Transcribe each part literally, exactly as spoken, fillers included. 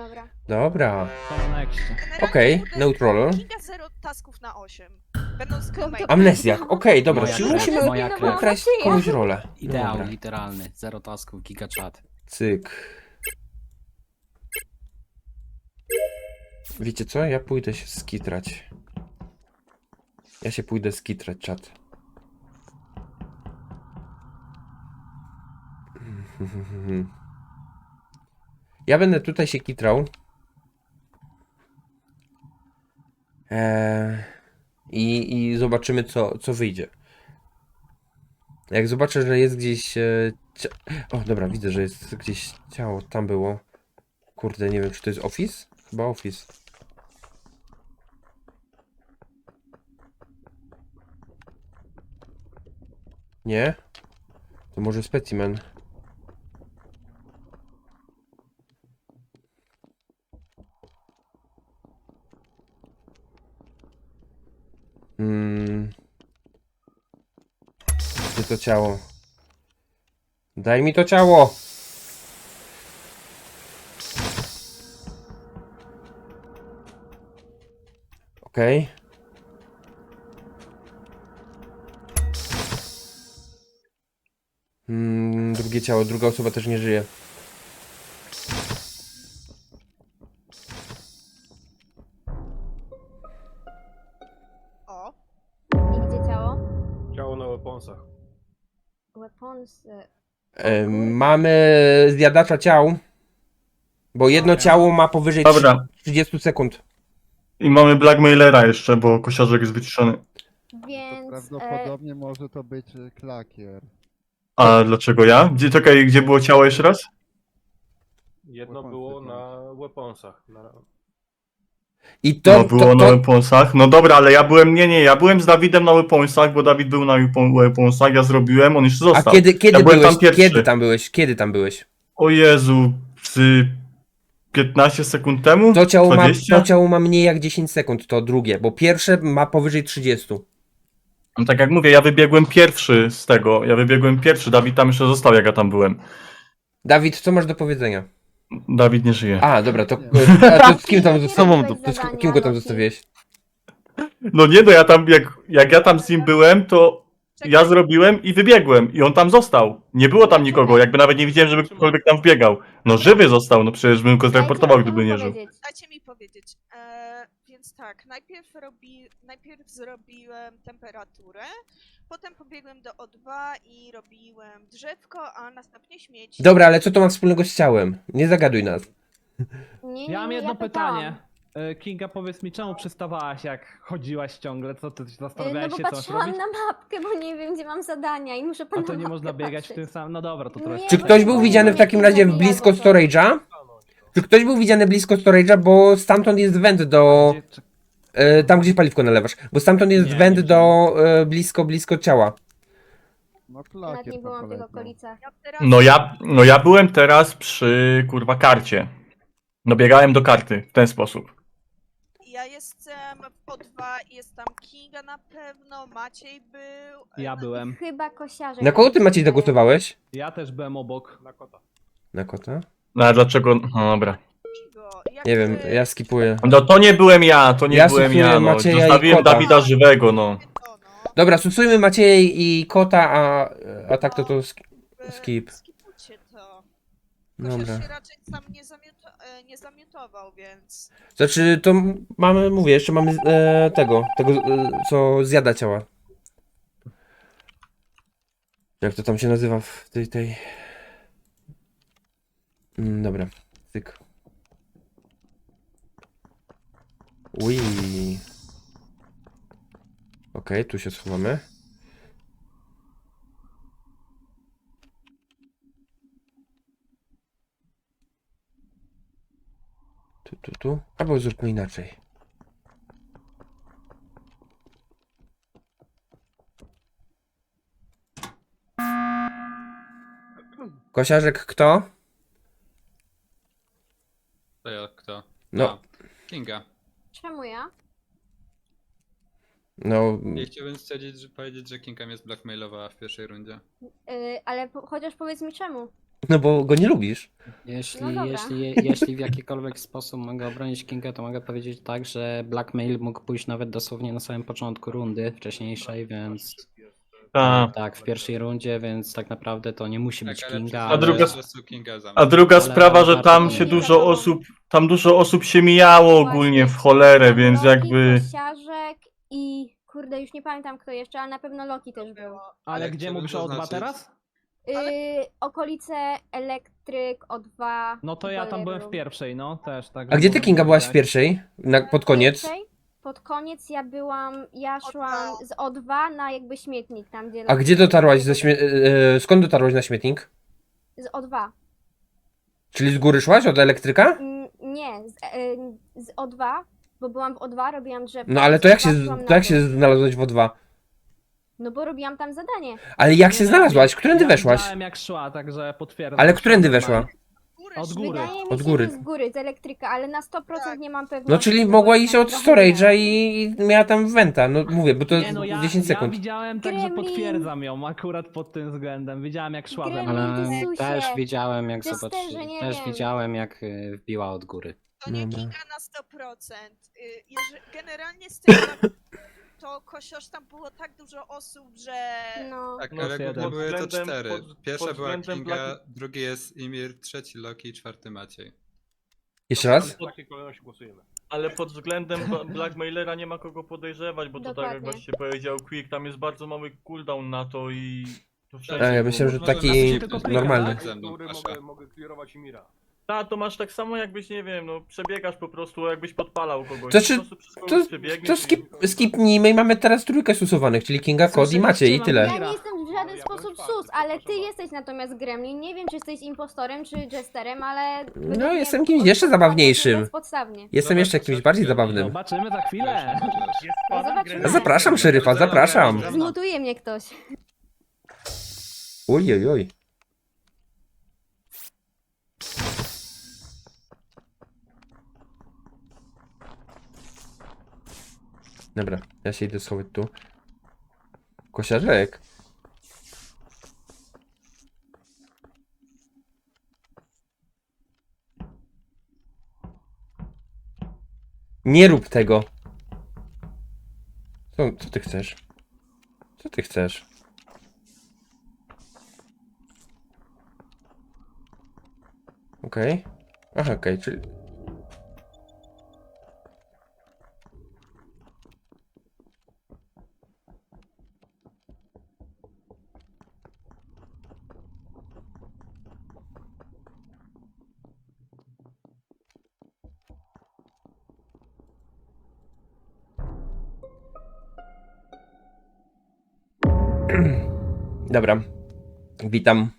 Dobra. Dobra. To na nexcie. Okej, neutral. Kinga zero tasków na osiem. Będą z crewmate'em. Amnezjak, okej, dobra, Moja czyli krew, musimy moja krew. ukraść komuś rolę. Ideał Dobra. literalny. Zero tasków, giga chat. Cyk. Wiecie co? Ja pójdę się skitrać. Ja się pójdę skitrać, czat. Ja będę tutaj się kitrał. Eee, i, I zobaczymy, co, co wyjdzie. Jak zobaczę, że jest gdzieś... E, cia... O, dobra, widzę, że jest gdzieś ciało. Tam było. Kurde, nie wiem, czy to jest office? Chyba office. Nie? To może specimen. Hmm. Gdzie to ciało? Daj mi to ciało! Okej. Okay. Hmm, drugie ciało, druga osoba też nie żyje. O, I gdzie ciało? Ciało na weaponsach. Weapons. y, E, mamy zjadacza ciał. Bo jedno Dobra. ciało ma powyżej Dobra. trzydzieści sekund. I mamy Blackmailera jeszcze, bo kosiarzek jest wyciszony. Więc. To e, prawdopodobnie może to być y, klakier. A dlaczego ja? Gdzie, czekaj, gdzie było ciało jeszcze raz? Jedno Weaponsy było jakieś. na weaponsach. Na... I to, No było to, na to, weaponsach. No dobra, ale ja byłem, nie, nie, ja byłem z Dawidem na weaponsach, bo Dawid był na weapon- weaponsach, ja zrobiłem, on jeszcze A został. kiedy, kiedy ja byłem byłeś? tam pierwszy. Kiedy tam byłeś? Kiedy tam byłeś? O Jezu, z piętnaście sekund temu? To ciało, ma, dwadzieścia? to ciało ma mniej jak dziesięć sekund, to drugie, bo pierwsze ma powyżej trzydzieści. No tak jak mówię, ja wybiegłem pierwszy z tego, ja wybiegłem pierwszy, Dawid tam jeszcze został, jak ja tam byłem. Dawid, co masz do powiedzenia? Dawid nie żyje. A, dobra, to, Nie. a to z kim tam Jakie zostawiłeś? robiłeś To z zadania, kim go tam Loki? zostawiłeś? No nie, no ja tam, jak, jak ja tam z nim byłem, to ja zrobiłem i wybiegłem i on tam został. Nie było tam nikogo, jakby nawet nie widziałem, żeby ktokolwiek tam wbiegał. No żywy został, no przecież bym go zreportował, dajcie gdyby mi nie żył. powiedzieć. dajcie mi powiedzieć. E, więc tak, najpierw, robi, najpierw zrobiłem temperaturę, potem pobiegłem do O dwa i robiłem drzewko, a następnie śmieci. Dobra, ale co to ma wspólnego z ciałem? Nie zagaduj nas. Nie, nie, Ja mam nie, jedno pytałam. pytanie. E, Kinga, powiedz mi, czemu przystawałaś, jak chodziłaś ciągle? Co ty Y, No zastanawiałeś bo się, co masz patrzyłam robić? na mapkę, bo nie wiem, gdzie mam zadania i muszę A pan to na nie można mapkę biegać w patrzeć. tym samym. No dobra, to trochę. Nie, Czy bo ktoś to był było widziany w jakieś takim razie zabijadło blisko to. storage'a? Czy ktoś był widziany blisko storage'a, bo stamtąd jest węd do... Gdzie- czy- E, tam, gdzie paliwko nalewasz. Bo stamtąd jest Nie, węd nie do... E, blisko, blisko ciała. No Nawet klakier nie tam byłam w tych polecał. okolicach. Ja teraz No ja, no ja byłem teraz przy, kurwa, karcie. No biegałem do karty w ten sposób. Ja jestem w O dwa, jest tam Kinga na pewno, Maciej był. e, Ja no- byłem. Chyba kosiarze. Na kogo ty, Maciej, zagłosowałeś? Ja też byłem obok. Na kota. Na kota? No a dlaczego, no dobra. Kingo, jak Nie wiem, ty- ja skipuję. No to nie byłem ja, to nie Ja byłem stosuję ja, no. Macieja i Zostawiłem kota. Dawida żywego, no. To, no. Dobra, stosujmy Maciej i kota, a, a tak to to sk E, skip. Skipujcie to. Kosiarz Dobra. się raczej sam nie, zamiuto, e, nie zamiutował, więc... Znaczy, to m- mamy, mówię, jeszcze mamy e, tego, tego, e, co zjada ciała. Jak to tam się nazywa w tej, tej... Mm, dobra, tyk. Ui. Okej, tu się schowamy. Tu, tu, tu. Albo zróbmy inaczej. Kosiarzek kto? To ja kto? No, A, Kinga. Czemu ja? no, Ja chciałbym stwierdzić, że powiedzieć, że Kinga mnie zblackmailowała w pierwszej rundzie. Y, ale po, chociaż powiedz mi czemu. No bo go nie lubisz. Jeśli, No dobra. jeśli, jeśli w jakikolwiek sposób mogę obronić Kinga, to mogę powiedzieć tak, że blackmail mógł pójść nawet dosłownie na samym początku rundy wcześniejszej, więc Ta. tak, w pierwszej rundzie, więc tak naprawdę to nie musi być Tak, ale Kinga. przez- A ale- druga- po prostu Kinga za A mną. druga Ale sprawa, że warto tam to się nie dużo wiadomo. osób, tam dużo osób się mijało ogólnie w cholerę, więc Loki, jakby... Kosiarzek i kurde, już nie pamiętam kto jeszcze, ale na pewno Loki też był. Ale Ale gdzie chciałbym mówisz o O dwa zaznaczyć- teraz? Yy, okolice Elektryk, O dwa. No to ja tam Boiler byłem w Room. pierwszej, no też. Tak, A gdzie ty, mogę Kinga, byłaś w powiedzieć. pierwszej? Na, pod koniec? Pierwszej, pod koniec ja byłam, ja szłam z O dwa na jakby śmietnik tam gdzie... A gdzie dotarłaś ze śmie... e, e, skąd dotarłaś na śmietnik? Z O dwa. Czyli z góry szłaś od elektryka? Mm, Nie, z, e, z O dwa, bo byłam w O dwa, robiłam drzewko. No ale z to jak O dwa się, szłam to na jak dół. się znalazłeś w O dwa? No bo robiłam tam zadanie. Ale jak się Nie, no, znalazłaś? ja- Którędy ja weszłaś? widziałem jak szła, także potwierdzam. Ale że którędy szła weszła? normalnie. Góry, Od góry. Wydaje mi Od się, góry. że z góry, z elektryka, ale na sto procent Tak. nie mam pewności. No czyli bo mogła tam iść od trochę storage'a nie. i i miała tam wenta. No mówię, bo to Nie no, ja, dziesięć ja sekund. widziałem, także Gremlin. potwierdzam ją akurat pod tym względem. Widziałem jak szła we mnie. Gremlin. Ale Jezusie, też widziałem jak testerze, zobaczyli, nie też wiem. widziałem jak y, wbiła od góry. To nie Dobra. Kinga na sto procent. Y, Jeżeli, generalnie z tym, to Kosiarz tam było tak dużo osób, że... No. Tak, No, ale jeden. głównie były to Pod względem- cztery. pod- Pierwsza pod była względem Kinga, Black- drugi jest Imir, trzeci Loki, czwarty Maciej. Jeszcze raz? W takiej kolejności głosujemy. Ale pod względem ba- blackmailera nie ma kogo podejrzewać, bo to tak jak Dokładnie. właśnie powiedział Quick, tam jest bardzo mały cooldown na to i... To A, wszędzie ja było. myślałem, że Może taki nas tylko normalny. tak? Ze mną, Góry proszę. mogę, mogę clearować Imira. Ta, to masz tak samo jakbyś, nie wiem, no przebiegasz po prostu, jakbyś podpalał kogoś. To czy- po prostu przez kogoś To, przebiegniesz to i- skip, skipnijmy i mamy teraz trójkę susowanych, czyli Kinga, Kod i Maciej i tyle. Ja nie jestem w żaden Ja sposób byłem czwarty, sus, ale ty przepraszam jesteś natomiast Gremlin. Nie wiem, czy jesteś impostorem, czy jesterem, ale... według No, mnie jestem kimś jeszcze odpowiedź zabawniejszym. Bezpodstawnie. Jestem jeszcze kimś bardziej zabawnym. Zobaczymy za chwilę. No zobaczymy. Zapraszam szeryfa, zapraszam. Zmutuje mnie ktoś. Oj, oj, oj. Dobra, ja się idę schować tu. Kosiarzek. Nie rób tego. Co, co ty chcesz? Co ty chcesz? Okej. Aha, okej, czyli... Dobra. Witam.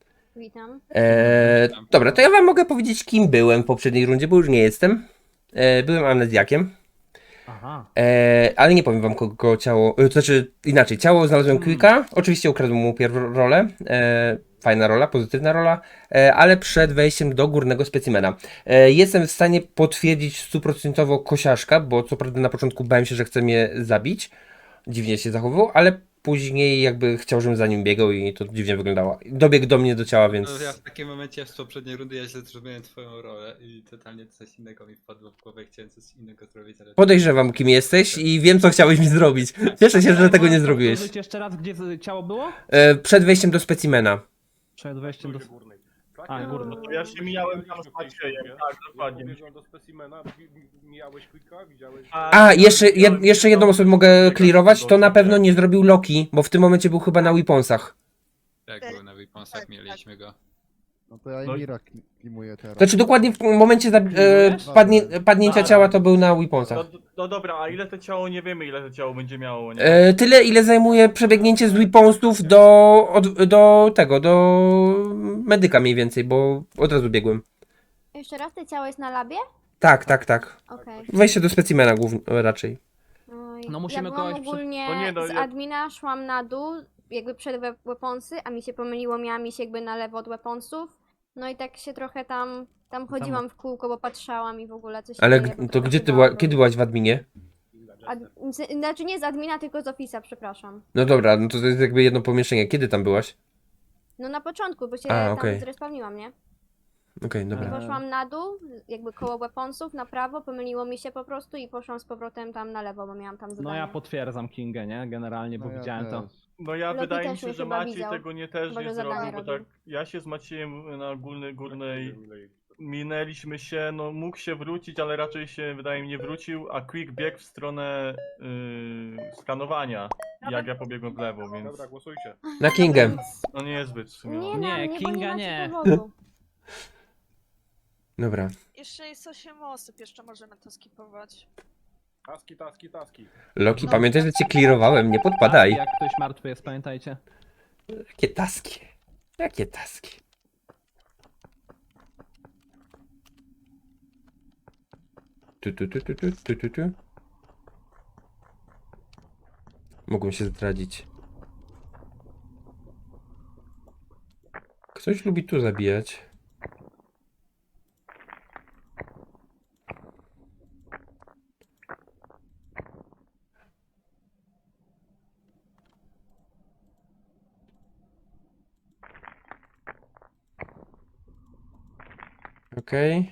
Witam. Eee, dobra, to ja wam mogę powiedzieć, kim byłem w poprzedniej rundzie, bo już nie jestem. Eee, byłem amnezjakiem. Aha. Eee, ale nie powiem wam, kogo ciało... e, To znaczy, inaczej, ciało znalazłem Quicka. Oczywiście ukradłem mu pierwszą rolę. Eee, fajna rola, pozytywna rola. Eee, ale przed wejściem do górnego specimena. Eee, jestem w stanie potwierdzić stuprocentowo Kosiaszka, bo co prawda na początku bałem się, że chce mnie zabić. Dziwnie się zachowywał, ale później jakby chciał, żebym za nim biegał i to dziwnie wyglądało. Dobiegł do mnie do ciała, więc... No ja w takim momencie z poprzedniej rundy ja źle zrobiłem twoją rolę i totalnie coś innego mi wpadło w głowę, chciałem coś innego zrobić, ale... Podejrzewam, kim jesteś i wiem, co chciałeś mi zrobić. Cieszę się, że tego nie zrobiłeś. Powtórzyć jeszcze raz, gdzie z- ciało było? E, przed wejściem do specimena. Przed wejściem do... Górnej. A, górny. No to ja się mijałem tam z Maciejem, tak, dokładnie. Biegłem do specimena, wi- wi- mijałeś Quicka, widziałeś... A, jeszcze, jed, jeszcze jedną osobę mogę clearować, to na pewno nie zrobił Loki, bo w tym momencie był chyba na weaponsach. Jak było na Weaponsach, mieliśmy go. No to ja No i- Emira kli- klimuję teraz. Znaczy dokładnie w momencie za, e, padnie, padnięcia ciała to był na weaponsach. No, no dobra, a ile to ciało, nie wiemy ile to ciało będzie miało, nie? E, tyle, ile zajmuje przebiegnięcie z weaponsów do, od, do tego, do medyka mniej więcej, bo od razu biegłem. Jeszcze raz, te ciało jest na labie? Tak, tak, tak. Okej. Wejście do specimena głównie, raczej. Oj, No musimy ja byłam kogoś przy- ogólnie No nie, no z ja- admina, szłam na dół, jakby przed we- weaponsy, a mi się pomyliło, miałam iść jakby na lewo od weaponsów. No i tak się trochę tam, tam chodziłam w kółko, bo patrzałam i w ogóle coś się Ale dzieje, bo g- to trochę gdzie się ty była, bałam. kiedy byłaś w adminie? Ad, z, znaczy nie z admina, tylko z ofisa, przepraszam. No dobra, no to to jest jakby jedno pomieszczenie. Kiedy tam byłaś? No na początku, bo się A, tam okej. zrespawniłam, nie? Okej, I dobra. Eee. poszłam na dół, jakby koło weaponsów, na prawo, pomyliło mi się po prostu i poszłam z powrotem tam na lewo, bo miałam tam zadanie. No ja potwierdzam Kingę, nie? Generalnie, bo No ja widziałem to. też. No ja Loki wydaje mi też się, mnie że chyba Maciej widział. tego nie też Chyba, nie że zadanie zrobił, bo robił. tak ja się z Maciejem na ogólnej górnej minęliśmy się, no mógł się wrócić, ale raczej się wydaje mi nie wrócił, a Quick biegł w stronę yy, skanowania, jak ja pobiegłem w lewo, więc Dobra, głosujcie. Na Kingę. no niezbyt w sumie. Nie, no. na Nie, mnie, bo Kinga nie macie nie. powodu. Dobra. Jeszcze jest osiem osób, jeszcze możemy to skipować. Taski, taski, taski. Loki, No. pamiętaj, że cię clearowałem, nie Taski, podpadaj. jak ktoś martwy jest, pamiętajcie. Jakie taski? Jakie taski? Tu, tu, tu, tu, tu, tu, tu, tu. Mogą się zdradzić. Ktoś lubi tu zabijać. Okej.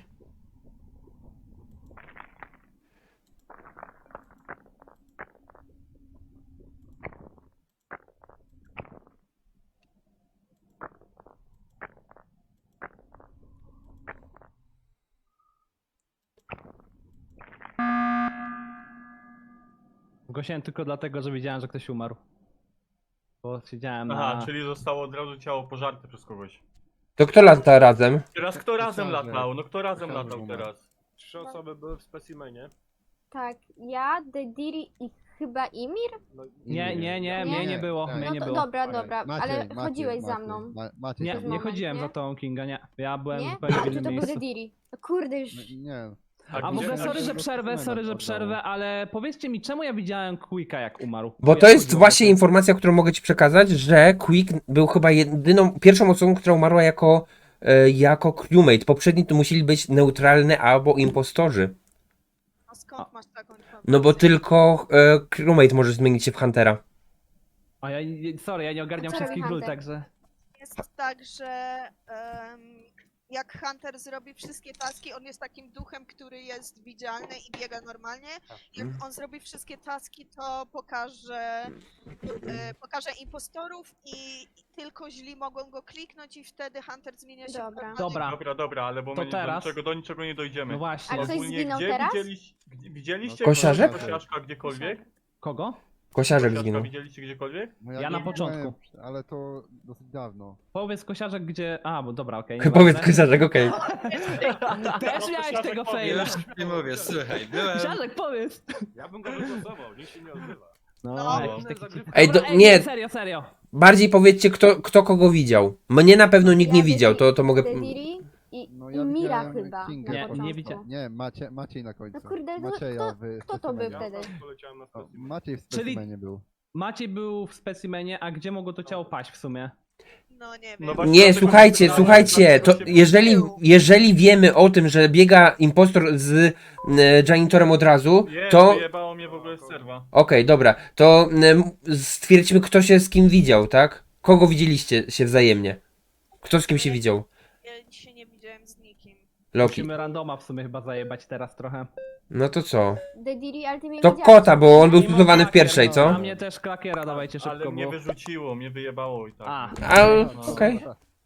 Zgłosiłem tylko dlatego, że widziałem, że ktoś umarł. Bo siedziałem Aha, na... czyli zostało od razu ciało pożarte przez kogoś. To kto lata razem? Teraz kto razem Koszarze. latał? No kto razem Koszarze latał umarł. teraz? Trzy osoby były w specimenie. Tak, ja, Dediri i chyba Imir? No, Nie, nie, nie, Nie? mnie nie było, Nie. mnie No nie to było. dobra, dobra, Maciej, ale Maciej, chodziłeś za Maciej, mną. Ma, Maciej Nie, przez to nie moment, chodziłem nie? za tą Kinga, nie. Ja byłem Nie? zupełnie A, w czy innym to był miejscu. Dediri? No kurde już. Nie. A A w ogóle gdzie- sorry, że tak- przerwę, sorry, że oddało. przerwę, ale powiedzcie mi, czemu ja widziałem Quicka jak umarł? Bo Jak to jest chodziło właśnie o to? informacja, którą mogę ci przekazać, że Quick był chyba jedyną, pierwszą osobą, która umarła jako, e, jako crewmate. Poprzedni to musieli być neutralne albo impostorzy. No skąd masz taką informację? No bo tylko e, crewmate może zmienić się w Huntera. A ja, sorry, ja nie ogarniam A co robi wszystkich ról, Hunter? także... Jest tak, że em, jak Hunter zrobi wszystkie taski, on jest takim duchem, który jest widzialny i biega normalnie. Jak on zrobi wszystkie taski, to pokaże, e, pokaże impostorów i, i tylko źli mogą go kliknąć i wtedy Hunter zmienia się w Dobra. normalnego. Dobra. Dobra, dobra, ale bo To my teraz? do, niczego, do niczego nie dojdziemy. No właśnie. A ktoś Ogólnie zginął gdzie teraz? Widzieliś, gdzie, widzieliście Kosiarzek? kosiarzka gdziekolwiek? Kogo? Kosiarzek Kosiarzka zginął. widzieliście gdziekolwiek? No Ja na nie początku. byłem, Ale to dosyć dawno. Powiedz Kosiarzek, gdzie... A, bo dobra, okej. Powiedz nieważne. Kosiarzek, okej. Też miałeś tego faila. Już nie mówię, słuchaj, byłem... Kosiarzek, powiedz. ja bym go wygłosował, nikt się nie odzywa. No, No. jakiś taki... Zagrywka. Ej, do, Dobra, ej, nie, serio, serio. bardziej powiedzcie, kto, kto kogo widział. Mnie na pewno nikt nie Ja widział, Dedi- to, to mogę... Dediri i, No i ja Mira widziałem chyba Kingę na Nie, nie początku. widziałem. Nie, Macie, Maciej na końcu. No kurde, no Macieja kto- w kto to był specimenie. wtedy? Ja poleciałem na O, specimen. Maciej w Czyli- specimenie był. Maciej był w specimenie, a gdzie mogło to ciało paść w sumie? No nie wiem. No właśnie Nie, dlatego słuchajcie, się słuchajcie, to dlatego się- jeżeli, jeżeli wiemy o tym, że biega impostor z e, janitorem od razu, Nie, to... Okej, wyjebało mnie w ogóle z serwa. dobra, to em, stwierdźmy, kto się z kim widział, tak? Kogo widzieliście się wzajemnie? Kto z kim się widział? Ja dzisiaj nie widziałem z nikim. Loki. Musimy randoma w sumie chyba zajebać teraz trochę. No to co? Dediri, ale ty mnie To widziałeś. kota, bo on był Mimo tutowany w klakier, pierwszej, no. co? Na mnie też klakiera dawajcie szybko, Ale mnie bo... wyrzuciło, mnie wyjebało i tak. A. A, No. okej.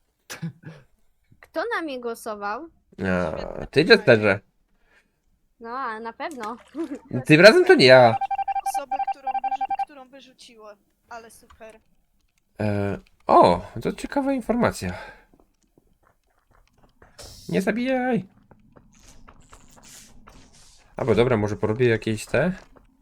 Kto na mnie głosował? A, ty, Jesterze. No, a na pewno. Tym razem to nie ja. Osobę, którą, wyrzu- którą wyrzuciło, ale super. E, o, to ciekawa informacja. Nie zabijaj. Albo dobra, może porobię jakieś te.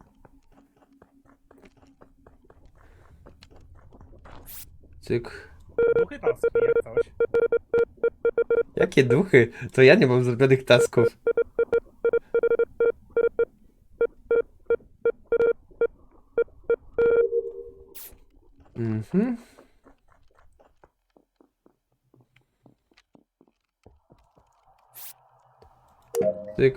Cyk. Duchy taski, jak coś. Jakie duchy? To ja nie mam zrobionych tasków. Mhm. Tyk.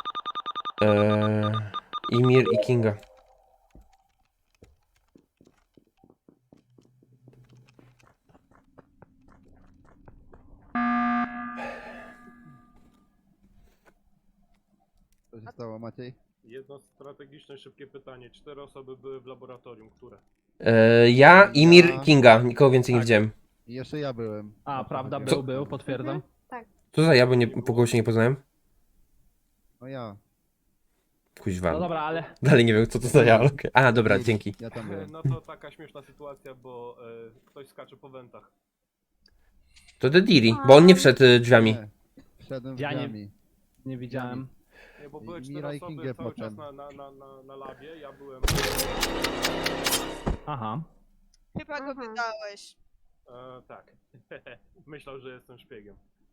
Eee, Imir i Kinga. się stało, Maciej? Jedno strategiczne, szybkie pytanie. Cztery osoby były w laboratorium, które? E, ja, Imir, Ja- Kinga. Nikogo więcej nie Tak. widziałem. I jeszcze ja byłem. A, Na to prawda, chodziło. był, był, potwierdzam. Co za ja, bo nie, po głosie nie poznałem? No ja. Kuźwa. No dobra, ale Dalej nie wiem, co to za ja, ale okej. A, dobra, dzięki. Ja tam byłem. No to taka śmieszna sytuacja, bo e, ktoś skacze po wentach. To The Diri, bo on nie wszedł e, drzwiami. Nie. Wszedłem Ja nie- drzwiami. nie widziałem. Nie, bo I były cztery Mira i osoby Kingę cały potem. czas na, na, na, na, na labie, ja byłem... Aha. Chyba go Aha. wydałeś. E, tak. Myślał, że jestem szpiegiem.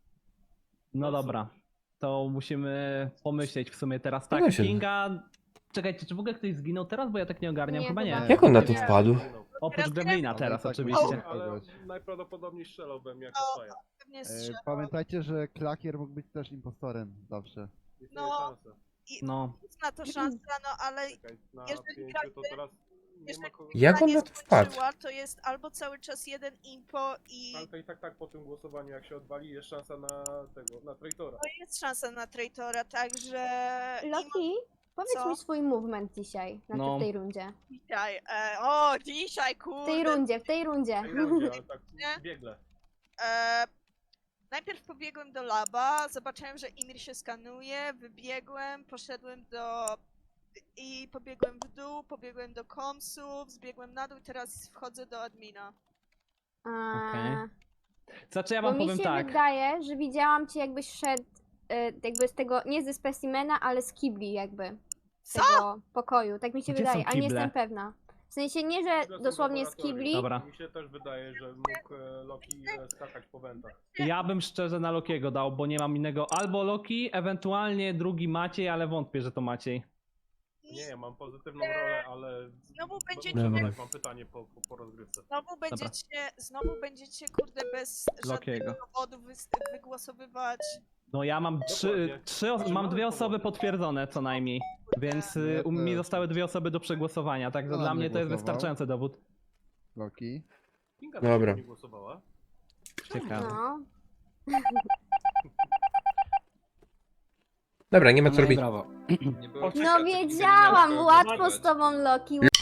No No dobra. To musimy pomyśleć w sumie teraz. No Tak, właśnie. Kinga... Czekajcie, czy w ogóle ktoś zginął teraz? Bo ja tak nie ogarniam. Nie, Chyba nie. chyba Jak on na to Nie. wpadł? Oprócz Teraz Gremlina Ale teraz tak oczywiście. musimy- Ale kogoś. najprawdopodobniej strzelałbym jako O, faja. Pewnie E, strzelał. pamiętajcie, że Klakier mógł być też impostorem zawsze. Istnieje No. szansa. No. Jest na to szansa, no ale Czekaj, na Jeżeli pięciu to każdy- teraz nie ma jeżeli kogo... Jak on nie na to wpadł? skończyła, to jest albo cały czas jeden impo i Ale to i tak, tak po tym głosowaniu, jak się odwali, jest szansa na tego, na traitora. to jest szansa na traitora, także... Loki, powiedz Co? mi swój movement dzisiaj, znaczy No. w tej rundzie. Dzisiaj, e, o, dzisiaj, W kurde. tej rundzie, w tej rundzie. W tej rundzie, ale tak Nie? biegle. E, najpierw pobiegłem do laba, zobaczyłem, że Imir się skanuje, wybiegłem, poszedłem do... i pobiegłem w dół, pobiegłem do komsów, zbiegłem na dół i teraz wchodzę do admina. A, Okej. Znaczy ja Bo wam mi powiem się tak. wydaje, że widziałam cię jakbyś szedł e, jakby z tego, nie ze specimena, ale z kibli jakby. Z Co? tego pokoju, tak mi się Gdzie wydaje, są ale nie kible? jestem pewna. W sensie nie, że One są dosłownie z laboratorium. kibli, Dobra. Mi się też wydaje, że mógł e, Loki e, skakać po wentach. Ja bym szczerze na Lokiego dał, bo nie mam innego. Albo Loki, ewentualnie drugi Maciej, ale wątpię, że to Maciej. Nie, ja mam pozytywną rolę, ale... Znowu będziecie- Muszę Dobra. dodać, mam pytanie po, po, po rozgrywce. Znowu będziecie, znowu będziecie, kurde, bez Lokiego. żadnego powodu wys- wygłosowywać. No ja mam trzy, Dokładnie. trzy os- Znaczy, mam mamy dwie osoby powody. potwierdzone co najmniej. Więc y, Ja u mnie też. zostały dwie osoby do przegłosowania, także Kto na dla mnie mnie to jest głosował? wystarczający dowód. Loki. Kinga Dobra. nie głosowała. Ciekawe. no. Dobra, nie ma co No i robić. brawo. Nie było No czekać, wiedziałam, nikogo łatwo głosować. z tobą Loki,